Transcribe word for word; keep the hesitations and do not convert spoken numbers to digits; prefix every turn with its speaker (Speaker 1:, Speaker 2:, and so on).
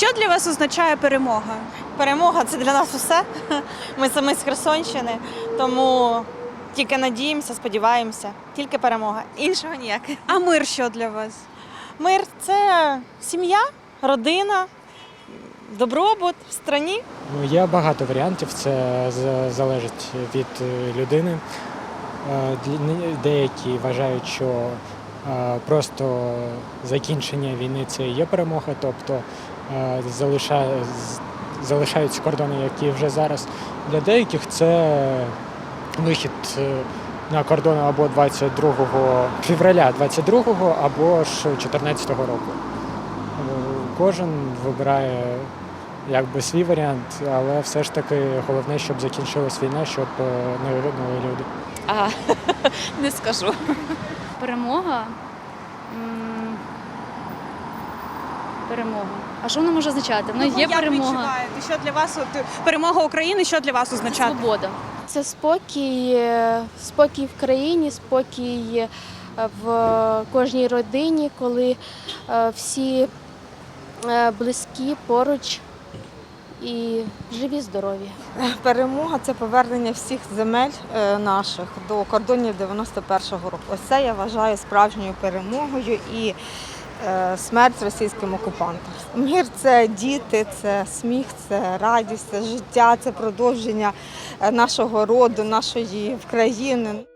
Speaker 1: Що для вас означає перемога?
Speaker 2: Перемога – це для нас усе. Ми самі з Херсонщини, тому тільки надіємося, сподіваємося. Тільки перемога. Іншого ніяк.
Speaker 1: А мир що для вас?
Speaker 2: Мир – це сім'я, родина, добробут в страні.
Speaker 3: Ну, є багато варіантів, це з- залежить від е, людини. Е, для- Деякі вважають, що е, просто закінчення війни – це і є перемога, тобто е, залишає- з- залишаються кордони, які вже зараз. Для деяких це вихід е, на кордони або двадцять другого февраля двадцять другого, або ж чотирнадцятого року. Е, Кожен вибирає якби свій варіант, але все ж таки головне, щоб закінчилась війна, щоб е, не гинули люди.
Speaker 4: А, не скажу. Перемога. М, Перемога. А що вона може означати? Ну, є
Speaker 1: Як ви
Speaker 4: перемога.
Speaker 1: відчуваєте? Що для вас от, перемога України, що для вас означає?
Speaker 4: Свобода.
Speaker 5: Це спокій, е, спокій в країні, спокій е, в кожній родині, коли е, всі е, близькі поруч і живі, здорові.
Speaker 6: Перемога – це повернення всіх земель е, наших до кордонів дев'яносто першого року. Ось це я вважаю справжньою перемогою і е, смерть російським окупантам. Мир – це діти, це сміх, це радість, це життя, це продовження е, нашого роду, нашої країни.